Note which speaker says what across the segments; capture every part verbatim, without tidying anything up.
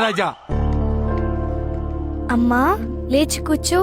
Speaker 1: రాజా.
Speaker 2: అమ్మా లేచి కూర్చో.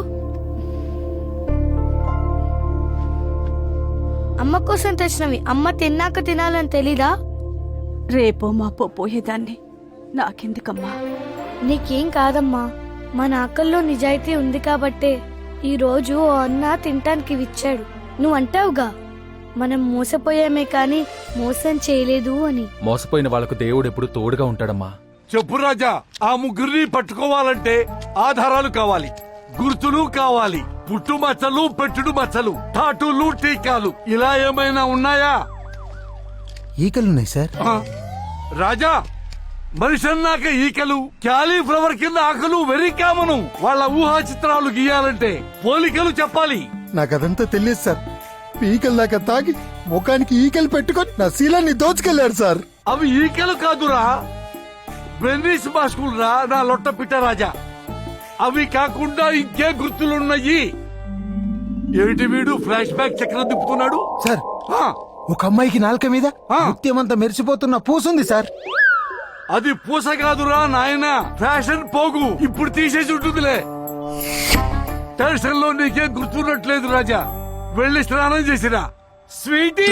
Speaker 2: అమ్మ కోసం తెచ్చినవి అమ్మ తిన్నాక తినాలని తెలీదా?
Speaker 3: రేపో మాపో పోయేదాన్ని, నాకెందుకమ్మా?
Speaker 2: నీకేం కాదమ్మా, మన ఆకల్లో నిజాయితీ ఉంది కాబట్టే ఈ రోజు ఓ అన్న తినటానికి విచ్చాడు. నువ్వు అంటావుగా మనం మోసపోయామే కాని మోసం చేయలేదు అని.
Speaker 4: మోసపోయిన వాళ్లకు దేవుడు ఎప్పుడు తోడుగా ఉంటాడమ్మా.
Speaker 1: చెప్పు రాజా, ఆ ముగ్గురిని పట్టుకోవాలంటే ఆధారాలు కావాలి, గుర్తులు కావాలి, పుట్టు మచ్చలు, పెట్టుడు మచ్చలు, టాటూలు, టీకాలు ఇలా ఏమైనా ఉన్నాయా?
Speaker 5: ఈకలున్నాయి సార్.
Speaker 1: ఆ, రాజా, మనిషి అన్నాక ఈకలు, క్యాలీఫ్లవర్ కింద ఆకలు వెరీ కామను. వాళ్ళ ఊహా చిత్రాలు గీయాలంటే పోలికలు చెప్పాలి.
Speaker 5: నాకదంతా తెలియదు సార్. ఈకలు దాకా తాగి ముఖానికి ఈకలు పెట్టుకొని నా శీలాన్ని దోచుకెళ్లాడు సార్.
Speaker 1: అవి ఈకలు కాదురా, బ్రెన్నిస్ మాస్కులు రా నా లొట్ట పిట్ట రాజా. అవి కాకుండా ఇంకే గుర్తులున్నాయి. ఏమిటి వీడు ఫ్లాష్ బ్యాక్ చక్రం తిప్పుతున్నాడు?
Speaker 5: సార్,
Speaker 1: ఆ,
Speaker 5: ఒక అమ్మాయికి నాలుక మీద
Speaker 1: ఆ.
Speaker 5: ముత్యమంతా మెరిసిపోతున్న పూసుంది సార్.
Speaker 1: అది పూస కాదురా నాయనా, ఫ్యాషన్ పోగు. ఇప్పుడు తీసేసి ఉంటుందిలే. టెన్షన్ లో నీకేం గుర్తున్నట్లేదు రాజా. వెళ్ళి స్నానం చేసిరా స్వీటీ.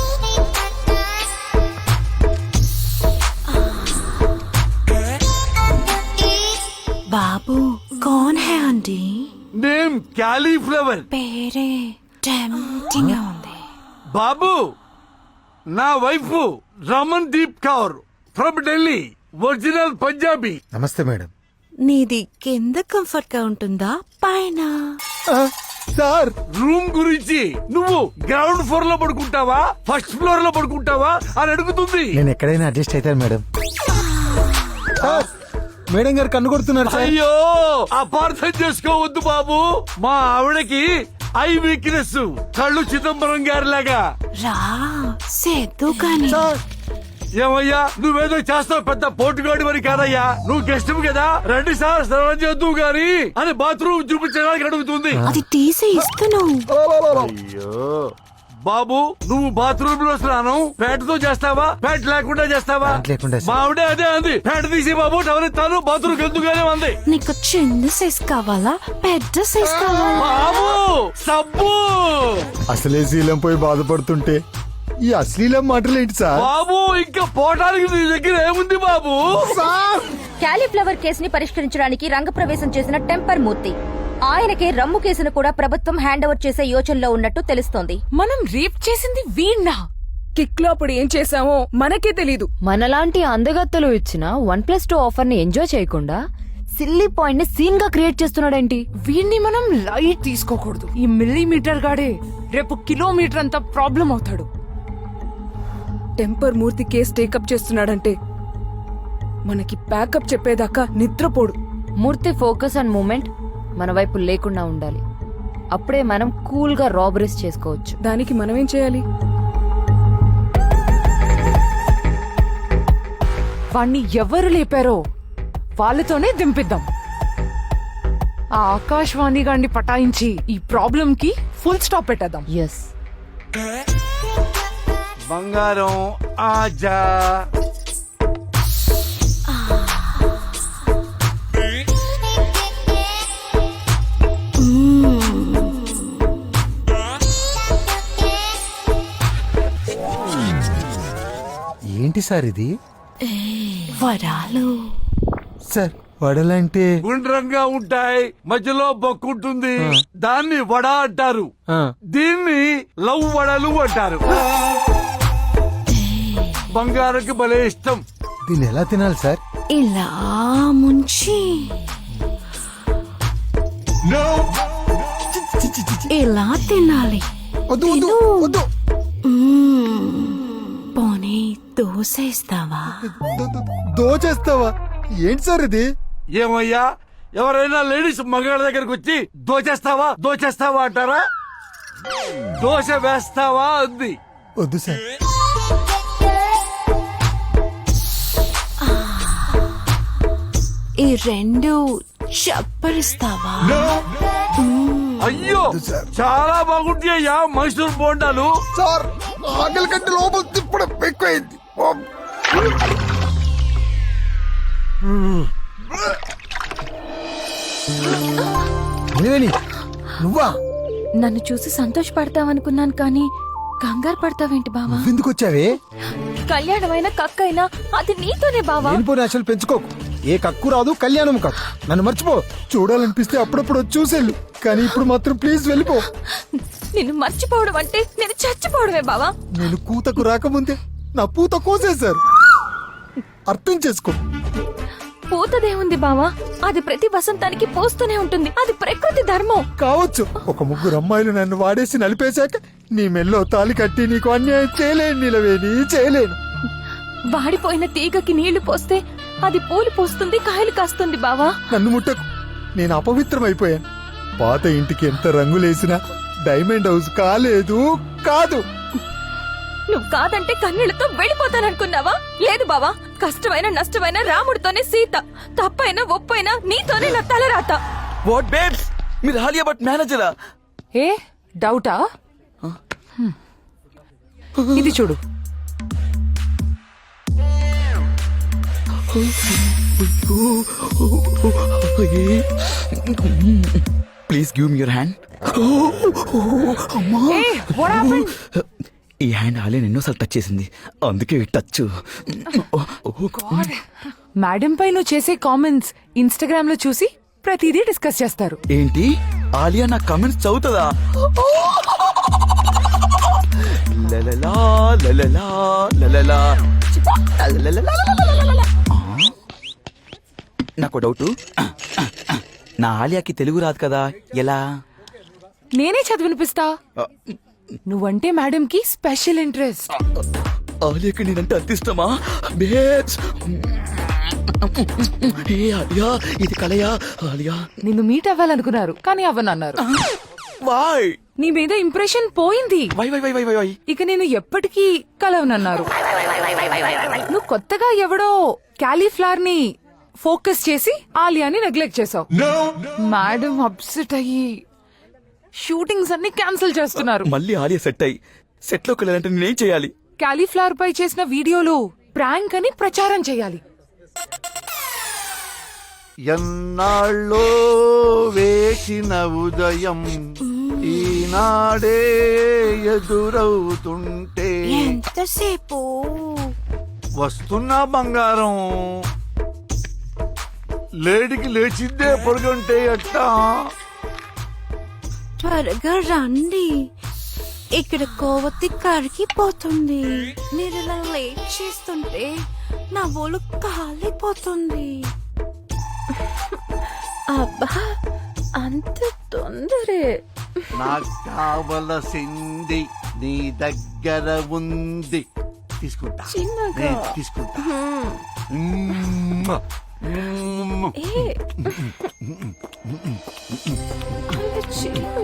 Speaker 3: బాబు కౌన్ హై ఆంటీ?
Speaker 1: Name cauliflower.
Speaker 3: పేరే టెంప్టింగ్ గా ఉంది.
Speaker 1: బాబు, నా wife Ramandeep Kaur from Delhi, original Punjabi.
Speaker 5: నమస్తే మేడం.
Speaker 3: నీది కింద కంఫర్ట్ గా ఉంటుందా పైన?
Speaker 5: ఆ, సార్,
Speaker 1: రూమ్ గురించి నువ్వు గ్రౌండ్ ఫ్లోర్ లో పడుకుంటావా ఫస్ట్ ఫ్లోర్ లో పడుకుంటావా అని అడుగుతుంది.
Speaker 5: నేను ఎక్కడైనా అడ్జస్ట్ అవుతాను మేడం. సార్, మేడం గారు కన్ను కొడుతున్నారు సార్.
Speaker 1: అయ్యో, అపార్థం చేసుకోవద్దు బాబు. మా ఆవిడకి ఐ వీక్నెస్, కళ్ళు చిదంబరం గారి లాగా.
Speaker 3: రా సేద్దు కానీ.
Speaker 5: సార్,
Speaker 1: ఏమయ్యా, నువ్వేదో చేస్తావు, పెద్ద పోటుగాడి మరి కాదయ్యా. నువ్వు గెస్ట్ కదా, రండి సార్ స్నానం చేద్దు గాని అని బాత్రూమ్ చూపించడానికి అడుగుతుంది.
Speaker 3: అది తీసి ఇస్తున్నావు.
Speaker 1: అయ్యో బాబు, నువ్వు బాత్రూమ్ లో స్నానం ప్యాంటుతో చేస్తావా, ప్యాంట్ లేకుండా చేస్తావా?
Speaker 5: ప్యాంట్ లేకుండా సార్.
Speaker 1: మా ఆవిడే అదే అంది, ప్యాంట్ తీసి బాబు టవర్ ఇస్తాను బాత్రూమ్ ఎందుకుగానే ఉంది.
Speaker 3: నీకు చిన్న సైజ్ కావాలా పెద్ద సైజ్ కావాలా?
Speaker 1: బాబు సబ్బు.
Speaker 5: అసలే శీలం పోయి బాధపడుతుంటే ఈ అశ్లీలం మాటలు ఏంటి సార్?
Speaker 1: బాబు, ఇంకా పోటానికి నీ దగ్గర ఏముంది బాబు?
Speaker 6: క్యాలీఫ్లవర్ కేసుని పరిష్కరించడానికి రంగప్రవేశం చేసిన టెంపర్ మూర్తి. ఆయనకే రమ్ము కేసును కూడా ప్రభుత్వం హ్యాండ్ ఓవర్ చేసే యోచనలో ఉన్నట్టు తెలుస్తోంది.
Speaker 7: మనం రేప్ చేసింది వీణ్ణా? కిక్ లో అప్పుడు ఏం చేసామో మనకే తెలీదు.
Speaker 8: మనలాంటి అందగత్తలు ఇచ్చిన వన్ ప్లస్ టూ ఆఫర్ ని ఎంజాయ్ చేయకుండా సిల్లీ పాయింట్ ని సీన్ గా క్రియేట్ చేస్తున్నాడేంటి?
Speaker 7: వీణ్ణి మనం లైట్ తీసుకోకూడదు. ఈ మిల్లీమీటర్ గాడే రేపు కిలోమీటర్ అంతా ప్రాబ్లం అవుతాడు. టెంపర్ మూర్తి కేసు టేకప్ చేస్తున్నాడంటే మనకి ప్యాకప్ చెప్పేదాకా నిద్రపోడు.
Speaker 8: మూర్తి ఫోకస్ అండ్ మూమెంట్ మన వైపు లేకుండా ఉండాలి. అప్పుడే మనం కూల్ గా రాబరీస్ చేసుకోవచ్చు.
Speaker 7: దానికి మనమేం చేయాలి? వాణ్ణి ఎవరు లేపారో వాళ్ళతోనే దింపిద్దాం. ఆ ఆకాశవాణి గాన్ని పటాయించి ఈ ప్రాబ్లం కి ఫుల్ స్టాప్ పెట్టేద్దాం.
Speaker 8: ఎస్.
Speaker 1: బంగారం ఆజా.
Speaker 5: ఏంటి సార్ ఇది?
Speaker 3: వరాలు.
Speaker 5: సార్, వడలంటే
Speaker 1: గుండ్రంగా ఉంటాయి, మధ్యలో బొక్కుంటుంది, దాన్ని వడ అంటారు. దీన్ని లవ్ వడలు అంటారు. బంగారంకి భలే ఇష్టం.
Speaker 5: దీన్ని ఎలా తినాలి సార్?
Speaker 3: ఇలా ముంచి ఇలా తినాలి.
Speaker 5: వద్దు, వద్దు, వద్దు.
Speaker 3: పోనీ దోశ ఇస్తావా?
Speaker 5: దోచేస్తావా? ఏంటి సార్ ఇది?
Speaker 1: ఏమయ్యా, ఎవరైనా లేడీస్ మగాళ్ళ దగ్గరకు వచ్చి దోచేస్తావా దోచేస్తావా అంటారా? దోశ వేస్తావా అంది.
Speaker 5: వద్దు సార్.
Speaker 3: ఈ రెండు చప్పరిస్తావా?
Speaker 1: అయ్యో, చాలా బాగుంటాయ్యా మైసూర్ బోండాలు.
Speaker 5: సార్, ఆకలి కంటే లోపల తిప్పడం ఎక్కువైంది. త్రివేణి నువ్వా?
Speaker 8: నన్ను చూసి సంతోషపడతావనుకున్నాను కానీ కంగారు పడతావేంటి బావా?
Speaker 5: ఎందుకు వచ్చావే?
Speaker 8: కళ్యాణమైన కక్కైనా అది నీతోనే బావా.
Speaker 5: లేనిపోని ఆశలు పెంచుకోకు. ఏ కక్కు రాదు, కళ్యాణం కాదు. నన్ను మర్చిపో. చూడాలనిపిస్తే అప్పుడప్పుడు వచ్చి చూసేళ్ళు, కానీ ఇప్పుడు మాత్రం ప్లీజ్ వెళ్ళిపో.
Speaker 8: నిన్ను మర్చిపోవడం అంటే నేను చచ్చిపోవడమే బావా.
Speaker 5: నేను కూతకు రాకముందే నా పూత కోసేశారు. అర్థం చేసుకో.
Speaker 8: పూతదేముంది బావా, అది ప్రతి వసంతానికి పూస్తూనే ఉంటుంది. అది ప్రకృతి ధర్మం.
Speaker 5: కావచ్చు, ఒక ముగ్గురు అమ్మాయిలు నన్ను వాడేసి నలిపేశాక నీ మెల్లో తాలి కట్టి నీకు అన్యాయం చేయలేను నిలవేని, చేయలేను.
Speaker 8: వాడిపోయిన తీగకి నీళ్లు పోస్తే అది పూలు పోస్తుంది, కాయలు కాస్తుంది బావా.
Speaker 5: నన్ను ముట్టకు. నేను అపవిత్రమైపోయాను. పాత ఇంటికి ఎంత రంగులేసినా డైమండ్ హౌస్ కాలేదు, కాదు.
Speaker 8: నువ్వు కాదంటే కన్నీళ్లతో వెళ్ళిపోతాననుకున్నావా? లేదు బావా, కష్టమైన నష్టమైన రాముడితోనే సీత, తప్పైనా ఒప్పైనా నీతోనే నా తలరాత.
Speaker 9: వాట్ బేబ్స్, మీరు హాలియా బట్ మేనేజరా?
Speaker 7: ఏ డౌటా? హ్మ్. ఇది చూడు.
Speaker 9: Please give me your hand.
Speaker 7: ఏ, what happened?
Speaker 9: ఈ హ్యాండ్ హాలియా ఎన్నోసార్లు టచ్ చేసింది, అందుకే ఈ టచ్.
Speaker 7: మేడం పై నువ్వు చేసే కామెంట్స్ ఇన్స్టాగ్రామ్ లో చూసి ప్రతిదీ డిస్కస్ చేస్తారు.
Speaker 9: ఏంటి, ఆలియా నా కమెంట్స్ చదువుతుందా? లలలా, లలలా, లలలా, లలలా. నాకు డౌట్, నా ఆలియాకి తెలుగు రాదు కదా, ఎలా?
Speaker 7: నేనే చదివినిపిస్తా. నువ్వంటే మేడం కి స్పెషల్ ఇంట్రెస్ట్.
Speaker 9: ఆలియాకి నేనంటే అంత ఇష్టమా? బేబ్స్, ఏ ఆలియా, ఇది కలయా? ఆలియా
Speaker 7: నిన్ను మీట్ అవ్వాలనుకున్నారు కానీ అవ్వనన్నారు.
Speaker 9: వై
Speaker 7: నీ మీద ఇంప్రెషన్ పోయింది.
Speaker 9: Why why why why why why
Speaker 7: ఇక నేను ఎప్పటికీ కలవనన్నారు. నువ్వు కొత్తగా ఎవడో క్యాలీఫ్లవర్ ని ఫోకస్ చేసి ఆలియాని నెగ్లెక్ట్ చేసావు. మేడం అప్సెట్ అయ్యి షూటింగ్స్ అన్ని క్యాన్సిల్ చేస్తున్నారు.
Speaker 9: మళ్ళీ ఆలియా సెట్ అయ్యి సెట్ లోకి వెళ్ళాలంటే నేనేం చేయాలి?
Speaker 7: క్యాలీఫ్లవర్ పై చేసిన వీడియోలు ప్రాంక్ అని ప్రచారం చేయాలి.
Speaker 10: ఎన్నాళ్ళో వేసిన ఉదయం ఈనాడే ఎదురవుతుంటే
Speaker 3: ఎంతసేపు?
Speaker 10: వస్తున్నా బంగారం. లేడికి లేచిందే పొడుగుంటే ఎట్టా?
Speaker 3: త్వరగా రండి, ఇక్కడ కోవతి కరిగిపోతుంది. మీరు ఇలా లేట్ చేస్తుంటే నా ఒళ్ళు కాలిపోతుంది.
Speaker 8: అబ్బా, అంత తొందరే?
Speaker 10: నాకు కావలసింది నీ దగ్గర ఉంది, తీసుకుంటా.
Speaker 8: చిన్నగా.
Speaker 10: నేను తీసుకుంటా. మ్మ్. మ్మ్.
Speaker 8: ఏ, అంత చిన్న